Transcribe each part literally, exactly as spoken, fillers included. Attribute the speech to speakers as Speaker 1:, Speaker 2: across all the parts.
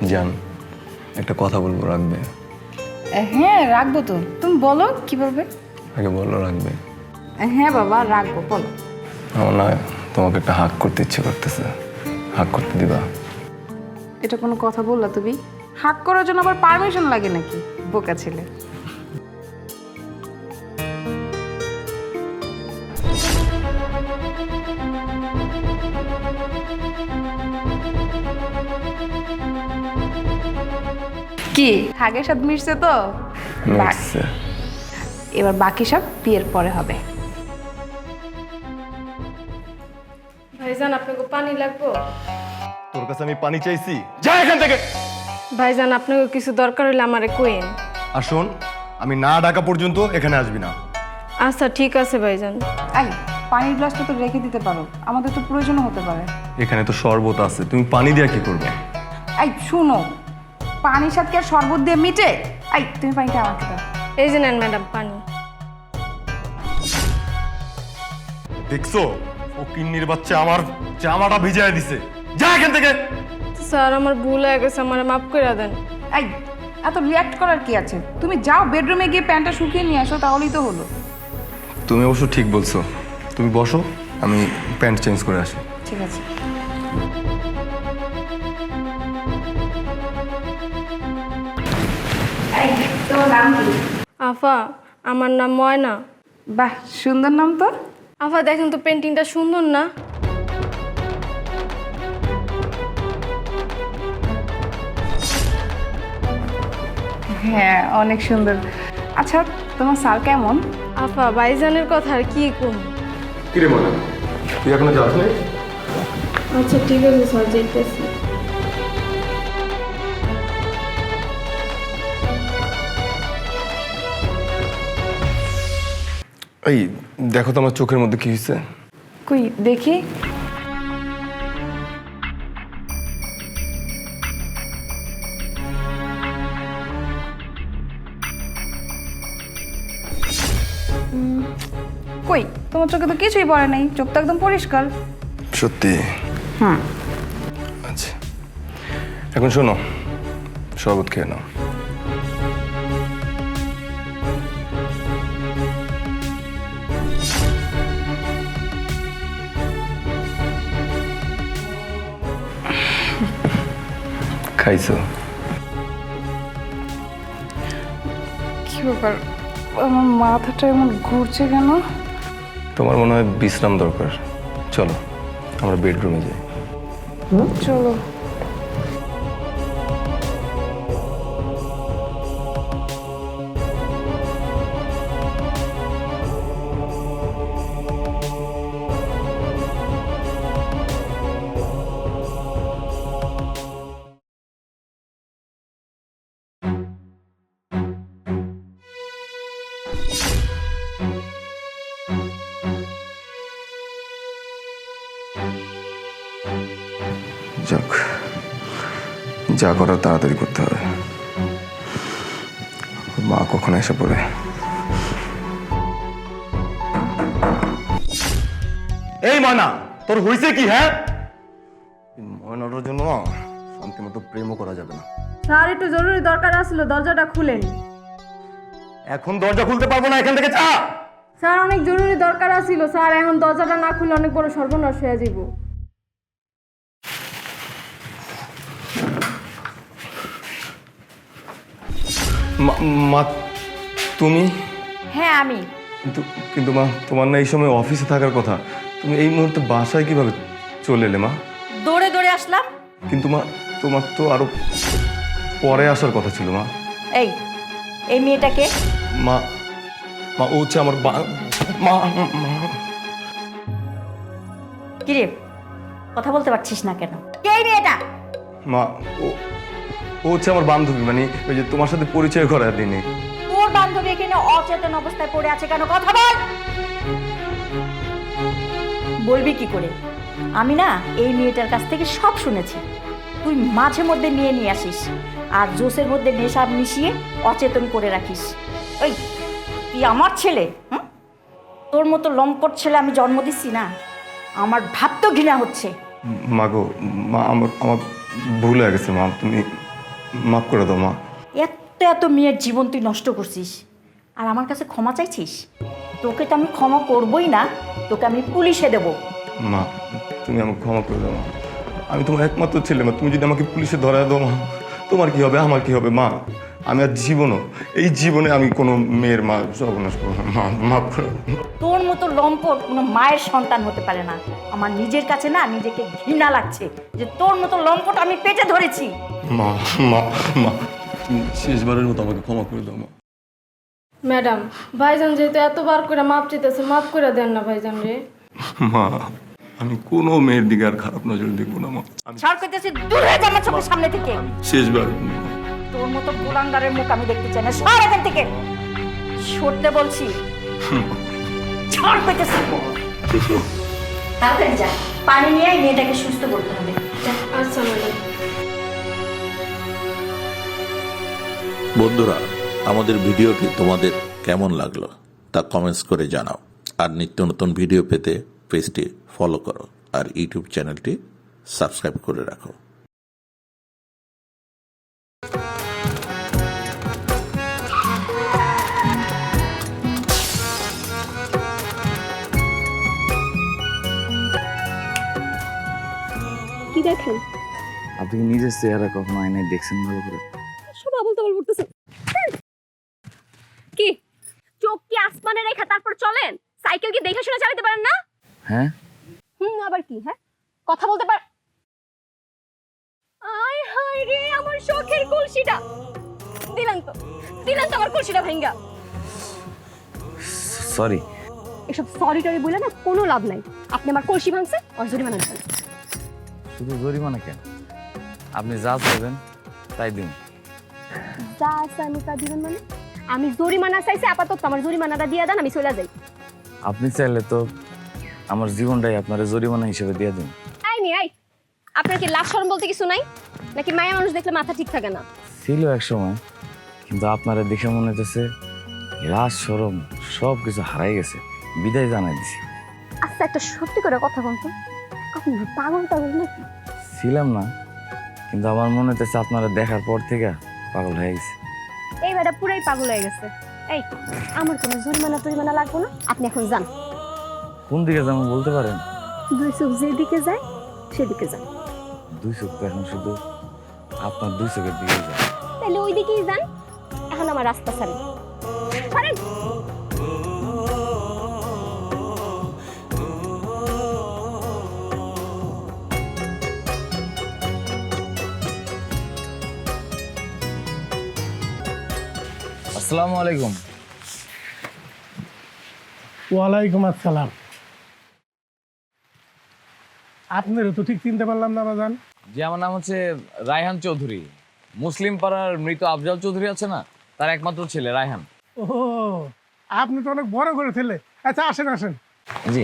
Speaker 1: জান, একটা কথা বলবো, রাখবে?
Speaker 2: হ্যাঁ রাখবো তো, তুমি বলো কি বলবে।
Speaker 1: আগে বলো, রাখবে?
Speaker 2: হ্যাঁ বাবা রাখবো, বলো।
Speaker 1: আমার না তোমাকে একটা হাক করতে ইচ্ছে করতেছে, হাক করতে দিবা?
Speaker 2: এটা কোনো কথা বললা তুমি? হাক করার জন্য আবার পারমিশন লাগে নাকি, বোকা ছেলে। কি হাগের সাথে মিশছে তো?
Speaker 1: মিটছে।
Speaker 2: এবার বাকি সব বিয়ের পরে হবে।
Speaker 3: ভাইজান আপনাকে পানি লাগবো?
Speaker 1: তোর কাছে আমি পানি চাইছি? যা এখান থেকে।
Speaker 3: ভাইজান আপনাকে কিছু দরকার হলে আমারে কইেন।
Speaker 1: আর শোন, আমি না ডাকা পর্যন্ত এখানে আসবি না।
Speaker 3: আচ্ছা ঠিক আছে ভাইজান।
Speaker 2: এই পানির গ্লাসটা তো রেখে দিতে পারো, আমাদের তো প্রয়োজন হতে পারে।
Speaker 1: এখানে তো শরবত আছে, তুমি পানি দিয়ে কি করবে?
Speaker 2: এই শুনো, পানির সাথে কি আর শরবত দিয়ে মিটে? এই তুমি পানিটা আমাকে দাও।
Speaker 3: এই যে নেন ম্যাডাম পানি।
Speaker 1: দেখছো, ও কিন্নির বাচ্চা আমার জামাটা ভিজায় দিছে। যা এখান থেকে।
Speaker 3: স্যার আমার ভুল হয়ে গেছে, আমার মাফ করে দেন।
Speaker 2: এই এত রিয়াক্ট করার কি আছে? তুমি যাও বেডরুমে গিয়ে প্যান্টটা শুকিয়ে নিয়ে আসো, তাহলেই তো হলো।
Speaker 1: তুমি অবশ্য ঠিক বলছো, তুমি বসো, আমি প্যান্ট চেঞ্জ করে আসি।
Speaker 2: ঠিক আছে। এই তোমার নাম কি?
Speaker 3: আফা, আমার নাম ময়না।
Speaker 2: বাহ, সুন্দর নাম তো।
Speaker 3: আফা দেখেন তো পেন্টিংটা সুন্দর না?
Speaker 2: হ্যাঁ অনেক সুন্দর। আচ্ছা তোমার স্যার কেমন?
Speaker 3: আফা ভাইজানের কথা আর কি কম।
Speaker 1: কিরে মনে, তুই এখনো যাস নাই?
Speaker 3: আচ্ছা ঠিক আছে স্যার, যাইতেছি।
Speaker 1: এই দেখো তো আমার চোখের মধ্যে কি হয়েছে।
Speaker 2: কই দেখি। উম, কই তোমার চোখে তো কিছুই পড়ে নাই, চোখ তো একদম পরিষ্কার।
Speaker 1: সত্যি?
Speaker 2: হুম।
Speaker 1: আচ্ছা, এখন শোনো, শরবত খেয়ে নাও। খাইছো?
Speaker 2: কি ব্যাপার, আমার মাথাটা এমন ঘুরছে কেন?
Speaker 1: তোমার মনে হয় বিশ্রাম দরকার, চলো আমরা বেডরুমে যাই।
Speaker 2: চলো।
Speaker 1: যাক, যা করার তাড়াতাড়ি করতে হবে, মা কখন এসে পড়ে। এই ময়না, তোর হইছে কি? হ্যাঁ, ময়নাটার জন্য না শান্তি মতো প্রেমও করা যাবে না।
Speaker 3: স্যার একটু জরুরি দরকার আসলো, দরজাটা খুলেন।
Speaker 1: এখন দরজা খুলতে পারবো না, এখান থেকে যা।
Speaker 3: স্যার অনেক জরুরি দরকার আসছিল স্যার, এখন দরজাটা না খুলে অনেক বড় সর্বনাশ হয়ে যাব।
Speaker 1: মা- মা তুমি?
Speaker 2: হ্যাঁ আমি।
Speaker 1: কিন্তু কিন্তু মা, তোমার না এই সময় অফিসে থাকার কথা, তুমি এই মুহূর্তে বাসায় কিভাবে চলে এলে মা?
Speaker 4: দৌড়ে দৌড়ে আসলাম।
Speaker 1: কিন্তু মা, তোমার তো আরো পরে আসার কথা ছিল মা।
Speaker 4: এই এই মেয়েটাকে
Speaker 1: মা, মা ও হচ্ছে আমার বা- মা মা
Speaker 4: কিরে কথা বলতে পারছিস না কেন? কে এই মেয়েটা?
Speaker 1: মা ও ও হচ্ছে আমার বান্ধবী, মানে ওই যে তোমার সাথে পরিচয় করার দিনে।
Speaker 4: তোর বান্ধবী এখানে অচেতন অবস্থায় পড়ে আছে কেন? কথা বল। বলবি কি করে? আমি না এই মেয়েটার কাছ থেকে সব শুনেছি। তুই মাঝে মধ্যে নিয়ে নিয়ে আসিস আর জোসের মধ্যে নেশা মিশিয়ে অচেতন করে রাখিস। ওই তুই আমার ছেলে, হুম? তোর মতো লম্পট ছেলে আমি জন্ম দিচ্ছি না, আমার ভাবতেও ঘৃণা হচ্ছে।
Speaker 1: মা গো, মা আমার আমার ভুল হয়ে গেছে মা, তুমি মাফ করে দাও মা।
Speaker 4: এত এত মেয়ের জীবন তুই নষ্ট করছিস আর আমার কাছে ক্ষমা চাইছিস? তোকে তো আমি ক্ষমা করবই না, তোকে আমি পুলিশে দেবো।
Speaker 1: মা তুমি আমাকে ক্ষমা করে দাও মা, আমি তোমার একমাত্র ছেলে মা, তুমি যদি আমাকে পুলিশে ধরায় দাও মা, তোমার কি হবে আমার কি হবে মা? আমি আর জীবনও এই জীবনে আমি কোনো মেয়ের মা সর্বনাশ করবো না মা, মাফ করে দাও।
Speaker 4: তোর মতো লম্পট কোনো মায়ের সন্তান হতে পারে না। আমার নিজের কাছে না নিজেকে ঘৃণা লাগছে যে তোর মতো লম্পট আমি পেটে ধরেছি।
Speaker 1: মা মা মা তুমি শেষবারের মতো আমাকে ক্ষমা করে দাও মা।
Speaker 3: ম্যাডাম, ভাইজান যেহেতু এতবার করে মাপ চাইতেছে, মাফ করে দেন না ভাইজান রে।
Speaker 1: মা আমি কোনো মেয়ের দিকে আর খারাপ নজর দেখবো না মা, আমি
Speaker 4: ছাড় করতেছি, দূর হয়ে যা আমার চোখের সামনে থেকে।
Speaker 1: শেষবার
Speaker 4: তোর মতো গোলাঙ্গারের মুখ আমি দেখতে চাই না, সর এখান থেকে, সরতে বলছি। ছাড় করতেছি, তাড়াতাড়ি যা, পানি নিয়ে আয়, মেয়েটাকে সুস্থ করতে হবে। যা।
Speaker 3: আচ্ছা ম্যাডাম।
Speaker 5: বন্ধুরা, আমাদের ভিডিওটি তোমাদের কেমন লাগলো তা কমেন্টস করে জানাও। আর নিত্য নতুন ভিডিও পেতে পেজটি ফলো করো আর ইউটিউব চ্যানেলটি সাবস্ক্রাইব করে রাখো।
Speaker 6: কি দেখেন?
Speaker 7: আপনি কি নিজের চেহারা কখনো আয়নায় দেখছেন ভালো করে?
Speaker 6: সব আবল তাবল করতেছে। কি চোখ কি আসমানে রেখা তারপর চলেন? সাইকেল কি দেখে শুনে চালাতে পারেন না?
Speaker 7: হ্যাঁ,
Speaker 6: হুম, আবার কি? হ্যাঁ, কথা বলতে পার। আয় হায় রে, আমার শখের কলসিটা দিলেন তো, দিলেন তো আমার কলসিটা ভাঙ্গা।
Speaker 7: সরি।
Speaker 6: এসব সরি টরি বলে না কোনো লাভ নাই। আপনি আমার কলসি ভাঙছে আর জরিমানা দিবেন।
Speaker 7: শুধু জরিমানা কেন, আপনি যা চাইবেন তাই দিন।
Speaker 6: যা আছে আমি তা দিবেন মানে? আমি জরিমানা চাইছি, আপাতত আমার জরিমানাটা দিয়ে দেন, আমি চলে যাই।
Speaker 7: আপনি চাইলে তো আমার জীবনটাই আপনার জরিমানা হিসেবে দিয়ে দিন।
Speaker 6: আই নি আই, আপনার কি লাজ শরম বলতে কিছু নাই নাকি? মায়া মানুষ দেখলে মাথা ঠিক থাকে না?
Speaker 7: ছিল এক সময়, কিন্তু আপনারা দেখে মনে হতেছে লাজ শরম সব কিছু হারাই গেছে, বিদায় জানাই দিছি।
Speaker 6: আচ্ছা, একটা সত্যি করে কথা বলতো, আপনি পাগল পাগল নাকি?
Speaker 7: ছিলাম না, কিন্তু আমার মনে হতেছে আপনারা দেখার পর থেকে পাগল হয়ে গেছে।
Speaker 6: এই বেটা পুরাই পাগল হয়ে গেছে। এই, আমার কোনো জরিমানা টরিমানা লাগবে না, আপনি এখন যান।
Speaker 7: কোন দিকে যাবো বলতে পারেন?
Speaker 6: দুই চোখ যেদিকে যায় সেদিকে যান।
Speaker 7: দুই চোখ তো এখন শুধু আপনার দুই চোখের দিকে যায়।
Speaker 6: তাহলে ওই দিকেই যান, এখন আমার রাস্তা ছাড়েন, ছাড়েন।
Speaker 7: আসসালামু আলাইকুম।
Speaker 8: ওয়ালাইকুম আসসালাম। আপনারও তো ঠিক চিনতে পারলাম না বাজান।
Speaker 7: জি, আমার নাম হচ্ছে রায়হান চৌধুরী। মুসলিম পাড়ার মৃত আফজাল চৌধুরী আছে না, তার একমাত্র ছেলে রায়হান।
Speaker 8: ও, আপনি তো অনেক বড় করে ছেলে। আচ্ছা, আসেন আসেন।
Speaker 7: জি।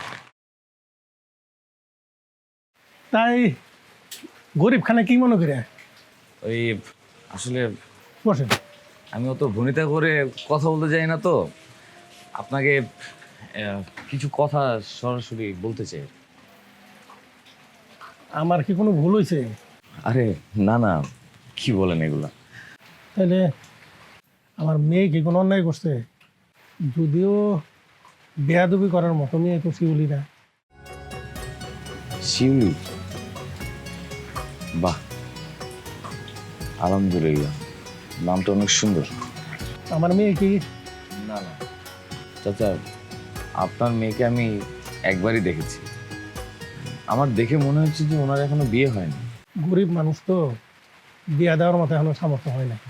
Speaker 8: তাই গরিব খানে কি মনে করে?
Speaker 7: ওই আসলে
Speaker 8: বসেন।
Speaker 7: আমি অত ভনিতা করে কথা বলতে যাই না, তো আপনাকে আহ, কিছু কথা সরাসরি বলতে চাই।
Speaker 8: আমার কি কোনো ভুল হয়েছে?
Speaker 7: আরে না না, কি বলেন এগুলা?
Speaker 8: তাহলে আমার মেয়ে কি কোনো অন্যায় করছে? যদিও বেয়াদবি করার মতো মেয়ে তো শিউলি না।
Speaker 7: শিউলি? বাহ, আলহামদুলিল্লাহ, নামটা অনেক সুন্দর।
Speaker 8: আমার মেয়ে কি?
Speaker 7: না না চাচা, আপনার মেয়েকে আমি একবারই দেখেছি। আমার দেখে মনে হচ্ছে যে ওনার এখনো বিয়ে হয়নি।
Speaker 8: গরিব মানুষ তো, বিয়া দেওয়ার মতো এখনো সামর্থ্য হয় না।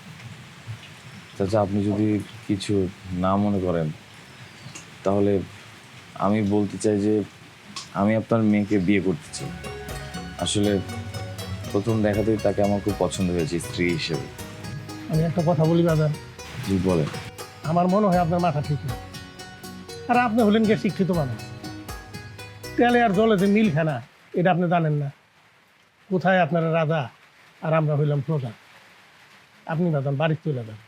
Speaker 7: চাচা, আপনি যদি কিছু না মনে করেন তাহলে আমি বলতে চাই যে আমি আপনার মেয়েকে বিয়ে করতে চাই। আসলে প্রথম দেখাতেই তাকে আমার খুব পছন্দ হয়েছে স্ত্রী হিসেবে।
Speaker 8: আমি একটা কথা বলি বাজান,
Speaker 7: জি বলেন।
Speaker 8: আমার মনে হয় আপনার মাথা ঠিক না। আর আপনি হলেন গিয়ে শিক্ষিত মানুষ, তেলে আর জলে যে মিল খানা এটা আপনি জানেন না। কোথায় আপনারা রাজা আর আমরা হইলাম প্রজা। আপনি বাজান বাড়ির চলে যান।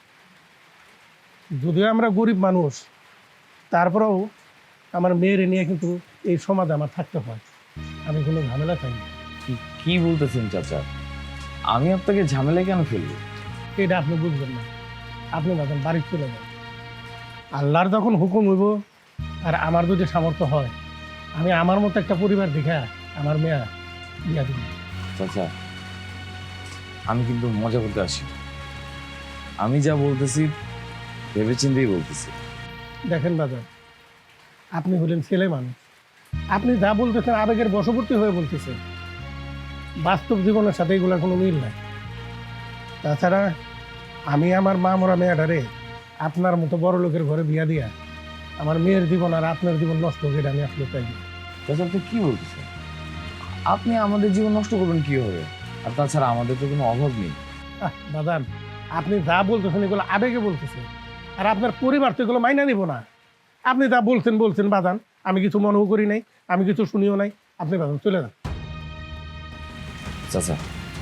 Speaker 8: যদিও আমরা গরিব মানুষ, তারপরেও আমার মেয়ের নিয়ে কিন্তু এই সমাজে আমার থাকতে হয়। আমি কোনো ঝামেলা চাই না।
Speaker 7: কি কি বলতেছেন চাচা? আমি আপনাকে ঝামেলায় কেন ফেলবো?
Speaker 8: এটা আপনি বুঝবেন না। আপনি বাজান বাড়ি চলে যান। আল্লাহর যখন হুকুম হইব আর আমার যদি সামর্থ্য হয়, আমি আমার মতো একটা পরিবার দেখা আমার মেয়া বিয়া দিব।
Speaker 7: চাচা, আমি কিন্তু মজা করতে আসি, আমি যা বলতেছি ভেবে চিন্তেই বলতেছি।
Speaker 8: দেখেন বাজার, আপনি হলেন ছেলে মানুষ, আপনি যা বলতেছেন আবেগের বশবর্তী হয়ে বলতেছেন, বাস্তব জীবনের সাথে এগুলোর কোনো মিল নাই। তাছাড়া আমি আমার মা মরা মেয়েটারে আপনার মতো বড় লোকের ঘরে বিয়া দিয়া আমার মেয়ের জীবন আর আপনার জীবন নষ্ট করে আমি আসলে চাই না।
Speaker 7: চাচা, আপনি কি বলতেছেন? আপনি আমাদের জীবন নষ্ট করবেন কি হবে? আর তাছাড়া আমাদের তো কোনো অভাব নেই।
Speaker 8: আহ, বাদান, আপনি যা বলতেছেন এগুলো আবেগে বলতেছেন, আর আপনার পরিবার তো এগুলো মাইনা নিব না। আপনি যা বলছেন বলছেন বাদান, আমি কিছু মনেও করি নাই, আমি কিছু শুনিও নাই। আপনি বাদান চলে যান।
Speaker 7: চাচা,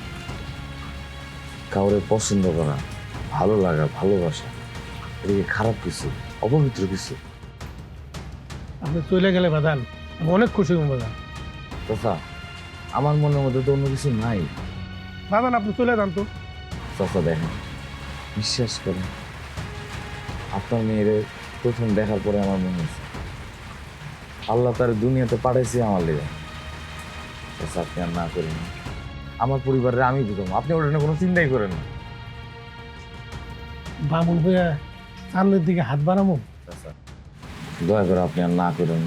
Speaker 7: কাউরে পছন্দ করা, ভালো লাগা, ভালোবাসা, এদিকে খারাপ কিছু, অপবিত্র কিছু।
Speaker 8: আপনি চলে গেলে বাদান আমি অনেক খুশি হব বাদান।
Speaker 7: চাচা, আমার মনের মধ্যে তো অন্য কিছু নাই।
Speaker 8: বাদান আপনি চলে যান তো।
Speaker 7: চাচা দেখেন, বিশ্বাস করেন, আপনার মেয়েরে প্রথম দেখার পরে আমার মনে হয়েছে আল্লাহ তার দুনিয়াতে পাঠাইছে আমার লেগে। চাচা, আপনি আর না করেন, আমার পরিবারের আমি বুঝলাম, আপনি ওটা নিয়ে কোনো চিন্তাই করেন না।
Speaker 8: বামুন হয়ে সামনের দিকে হাত বাড়াবো।
Speaker 7: চাচা, দয়া করে আপনি আর না করেন।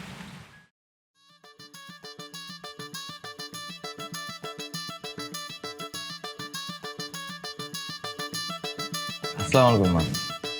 Speaker 7: আসসালামু আলাইকুম মা।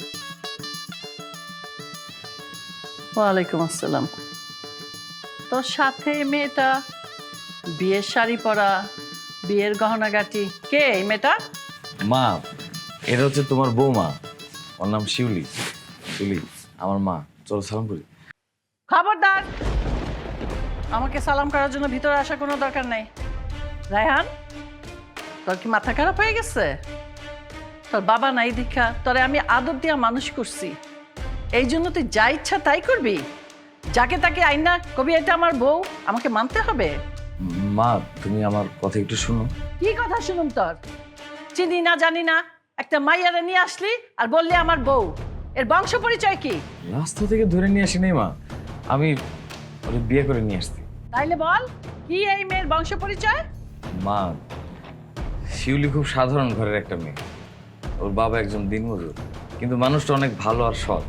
Speaker 9: ওয়ালাইকুম আসসালাম। তোর সাথে মেয়েটা, বিয়ের শাড়ি পরা, বিয়ের গহনাগাটি, কে এই মেয়েটা?
Speaker 7: মা, এটা হচ্ছে তোমার বৌমা, ওর নাম শিউলি। শিউলি আমার মা, চলো সালাম করি।
Speaker 9: খবরদার, আমাকে সালাম করার জন্য ভিতরে আসার কোনো দরকার নেই। রায়হান, তোর কি মাথা খারাপ হয়ে গেছে? তোর বাবা নাই দীক্ষা তোরে আমি আদর দিয়া মানুষ করছি, এই জন্য তুই যা ইচ্ছা তাই করবি? যাকে তাকে আইনা কবি এটা আমার বউ, আমাকে মানতে হবে?
Speaker 7: মা, তুমি আমার কথা একটু শুনো।
Speaker 9: কি কথা শুনুম তোর? চিনি না জানি না একটা মাইয়ারে নিয়ে আসলি আর বললি আমার বউ। এর বংশ পরিচয় কি?
Speaker 7: রাস্তা থেকে ধরে নিয়ে আসি নাই মা, আমি ওরে বিয়ে করে নিয়ে আসছি।
Speaker 9: তাইলে বল, কি এই মেয়ের বংশ পরিচয়?
Speaker 7: মা, শিউলি খুব সাধারণ ঘরের একটা মেয়ে, ওর বাবা একজন দিনমজুর, কিন্তু মানুষটা অনেক ভালো আর সৎ।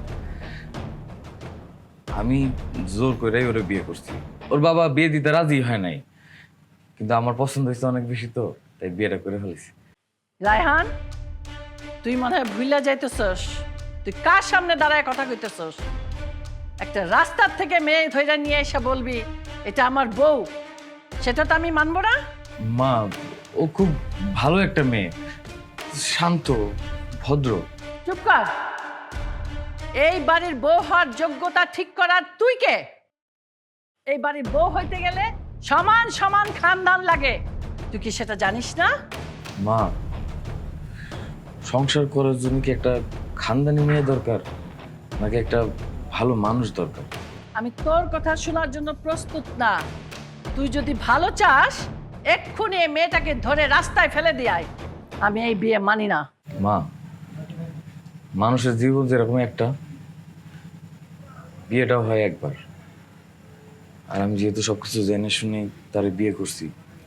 Speaker 7: আমি জোর করে ওরে বিয়ে করছি। ওর বাবা বিয়ে দিতে রাজি হয় নাই, কিন্তু আমার পছন্দ হয়েছে অনেক বেশি, তো তাই বিয়েটা করে ফেলেছি।
Speaker 9: রায়হান, তুই মনে হয় ভুইলা যাইতেছস, তুই কার সামনে দাঁড়ায় কথা কইতেছস? একটা রাস্তার থেকে মেয়ে ধইরা নিয়ে এসে বলবি এটা আমার বউ, সেটা তো আমি মানবো না।
Speaker 7: মা, ও খুব ভালো একটা মেয়ে, শান্ত, ভদ্র।
Speaker 9: চুপ কর। এই বাড়ির বউ হওয়ার যোগ্যতা ঠিক করার তুই কে? এই বাড়ির বউ হইতে গেলে সমান সমান খানদান লাগে, তুই কি সেটা জানিস না?
Speaker 7: মা, সংসার করার জন্য কি একটা খানদানি মেয়ে দরকার, নাকি একটা ভালো মানুষ দরকার?
Speaker 9: আমি তোর কথা শোনার জন্য প্রস্তুত না। তুই যদি ভালো চাস এক্ষুনি এই মেয়েটাকে ধরে রাস্তায় ফেলে দিয়াই, আমি এই বিয়ে মানি না।
Speaker 7: মা, মানুষের জীবন যেরকম একটা, বিয়েটাও হয় একবার, আর আমি যেহেতু সবকিছু জেনে শুনে তারে বিয়ে করছি,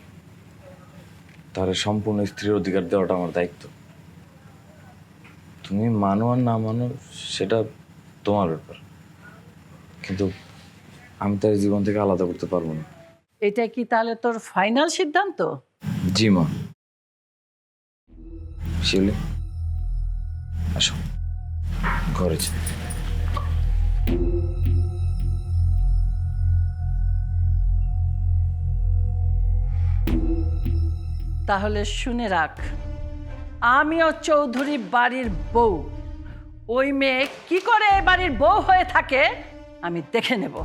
Speaker 7: তারে সম্পূর্ণ স্ত্রীর অধিকার দেওয়াটা আমার দায়িত্ব। তুমি মানো আর না মানো সেটা তোমার ব্যাপার, কিন্তু আমি তার জীবন থেকে আলাদা করতে পারবো না।
Speaker 9: এটা কি তাহলে তোর ফাইনাল সিদ্ধান্ত?
Speaker 7: জি মা। শিউলি, আসো ঘরে যাই।
Speaker 9: তাহলে শুনে রাখ, আমিও চৌধুরী বাড়ির বউ। ওই মেয়ে কি করে এ বাড়ির বউ হয়ে থাকে আমি দেখে নেব।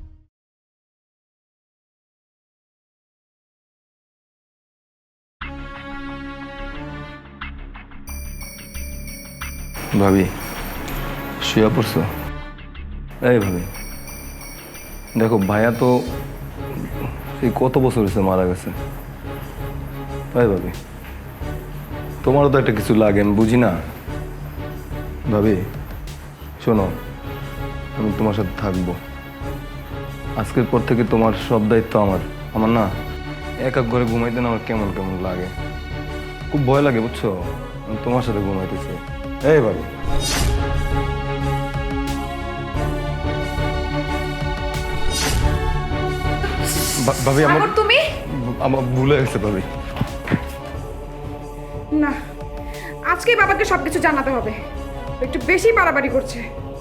Speaker 1: ভাবি, শুয়ে পড়ছো? এই ভাবি, দেখো ভাইয়া তো সেই কত বছর হয়েছে মারা গেছে। তাই ভাবি, তোমারও তো একটা কিছু লাগে, আমি বুঝি না। ভাবি শোনো, আমি তোমার সাথে থাকবো। আজকের পর থেকে তোমার সব দায়িত্ব আমার। আমার না এক এক ঘরে ঘুমাইতে না আমার কেমন কেমন লাগে, খুব ভয় লাগে বুঝছো। আমি তোমার সাথে ঘুমাইতেছি। এই ভাবি, ভা- ভাবি আমার
Speaker 2: সাগর তুমি
Speaker 1: আমার ভুলে গেছে ভাবি।
Speaker 2: না, আজকেই বাবাকে সবকিছু জানাতে হবে। ও একটু বেশি বাড়াবাড়ি করছে।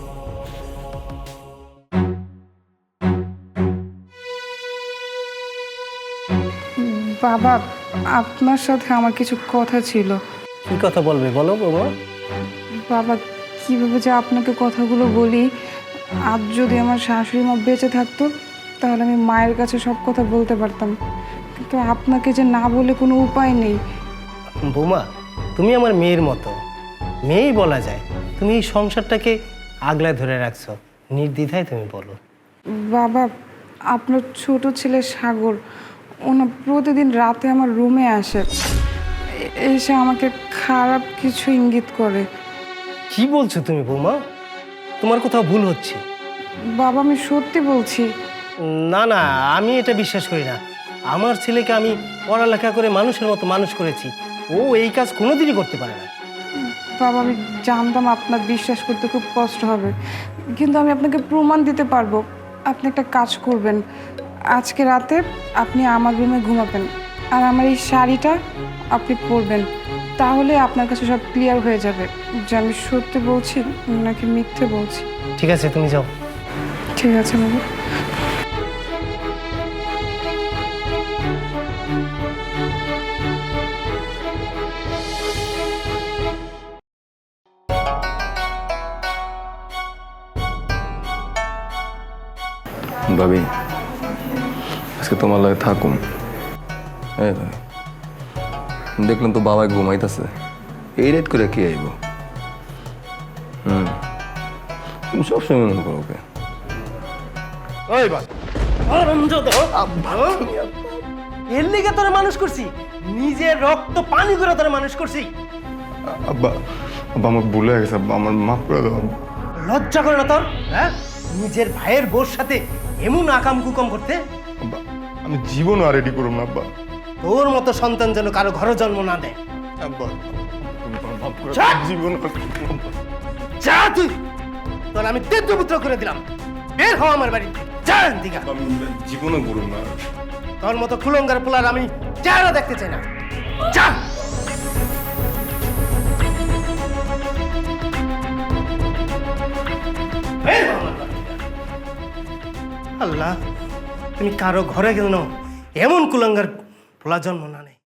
Speaker 2: বাবা, আপনার সাথে আমার কিছু কথা ছিল।
Speaker 8: কি কথা বলবে বলো বাবা?
Speaker 2: বাবা, কিভাবে যে আপনাকে কথাগুলো বলি, আজ যদি আমার শাশুড়ি মা বেঁচে থাকতো তাহলে আমি মায়ের কাছে সব কথা বলতে পারতাম, কিন্তু আপনাকে যে না বলে কোনো উপায় নেই।
Speaker 10: বৌমা, তুমি আমার মেয়ের মতো, মেয়েই বলা যায়। তুমি এই সংসারটাকে আগলায় ধরে রাখছো, নির্দ্বিধায় তুমি বলো।
Speaker 2: বাবা, আপনার ছোট ছেলে সাগর, ওনা প্রতিদিন রাতে আমার রুমে আসে, এ- এসে আমাকে খারাপ কিছু ইঙ্গিত করে।
Speaker 10: কি বলছো তুমি বৌমা? তোমার কোথাও ভুল হচ্ছে।
Speaker 2: বাবা, আমি সত্যি বলছি।
Speaker 10: না না, আমি এটা বিশ্বাস করি না। আমার ছেলেকে আমি পড়ালেখা করে মানুষের মতো মানুষ করেছি, ও এই কাজ কোনোদিনই করতে পারে না।
Speaker 2: বাবা, আমি জানতাম আপনার বিশ্বাস করতে খুব কষ্ট হবে, কিন্তু আমি আপনাকে প্রমাণ দিতে পারবো। আপনি একটা কাজ করবেন, আজকে রাতে আপনি আমার রুমে ঘুমাবেন, আর আমার এই শাড়িটা আপনি পরবেন, তাহলে আপনার কাছে সব ক্লিয়ার হয়ে যাবে যে আমি সত্যি বলছি নাকি মিথ্যে বলছি।
Speaker 10: ঠিক আছে, তুমি যাও।
Speaker 2: ঠিক আছে বাবা।
Speaker 1: ভাবি আজকে তোমার লাগে থাকুম। এই ভাবি, দেখলাম তো বাবাই ঘুমাইতেছে, এই রেট করে কে আইব? হুম, তুমি সবসময় মনে করো ওকে।
Speaker 10: ওই বাবা, এর লিগে তোরা মানুষ করছি, নিজের রক্ত পানি করে তোরা মানুষ করছি।
Speaker 1: আব্বা, আব্বা আমার ভুল হয়ে গেছে, আব্বা আমার মাফ করে দাও।
Speaker 10: লজ্জা করে না তোর? হ্যাঁ, নিজের ভাইয়ের বোর সাথে এমন আকাম কুকাম করতে?
Speaker 1: আব্বা, আমি জীবনও আর রেডি করুম না আব্বা।
Speaker 10: তোর মতো সন্তান যেন কারো ঘরে জন্ম না দেয়।
Speaker 1: আব্বা, তুমি আমার মাফ করে
Speaker 10: ছাড়!
Speaker 1: দাও, জীবন আর করবো না।
Speaker 10: যা তুই, তোর আমি তেজ্যপুত্র করে দিলাম। বের হ আমার বাড়ি, যা দিঘা।
Speaker 1: আমি জীবনও করুম না।
Speaker 10: তোর মতো কুলঙ্গার পোলার আমি চেহারা দেখতে চাই না। যা। বের হ আমার বাড়ি থেকে। আল্লাহ, তুমি কারো ঘরে গেল না এমন কুলঙ্গার পোলা জন্ম না নেই।